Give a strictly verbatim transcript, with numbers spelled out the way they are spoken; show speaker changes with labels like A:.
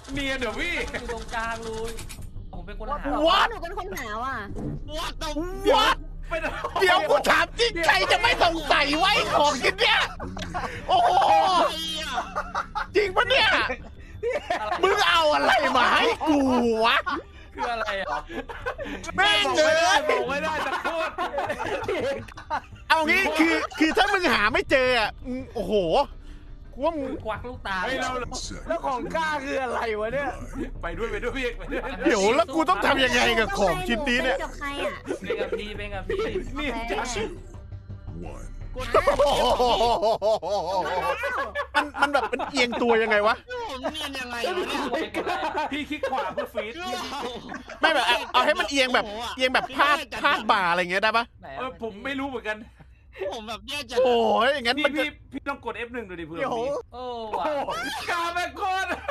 A: เนียนเดี๋ยวพี่
B: อยู่ตรงกลางเลยผมเป็นคนหา
C: What
D: หนูเป็นคนหาว่ะ
C: What the
E: What เดี๋ยวกูถามจริงใครจะไม่สงสัยไว้ของชิ้นเนี้ยโอ้โหจริงปะเนี่ยมึงเอาอะไรมาให้กูวะ
B: คืออะไรอ่ะ
E: แม่งเลย
A: บอกไม่ได้จะพูด
E: เอางี้คือคือถ้ามึงหาไม่เจออ่ะมึงโอ้โหกูว่ามึง
B: ควักลูกตา
A: เฮ้ยเรา
F: แล้วของกล้าคืออะไรวะเนี่ย
A: ไปด้วยไปด้วยพี่ไปด้วย
E: เดี๋ยวแล้วกูต้องทำยังไงกับของชิ้นนี้เนี่ย
D: กับใครอ่ะ
B: เป็นกับพี่เป็นกับพี่
A: นี่จัง
E: มันมันแบบมันเอียงตัวยังไงวะ
C: ผมเนียนยังไงวะเนี่ย
A: พี่คลิกขวาเพื่อฟีด
E: ไม่แบบเอาเอาให้มันเอียงแบบเอียงแบบพาดพาดบ่าอะไรอย่างเงี้ยได้ปะ
B: ไหน
A: เออผมไม่รู้เหมือนกัน
C: ผมแบบแย่จัง
E: โอ้ยอย่างงั้น
A: พี่
E: มันจะ
A: พี่พี่ต้องกด เอฟ หนึ่ง ดูดิเพื่อน
E: เดี๋ยว
A: พี่
B: โอ้
A: โอ้
B: ว่ะ
A: โหกาแม่งโคตร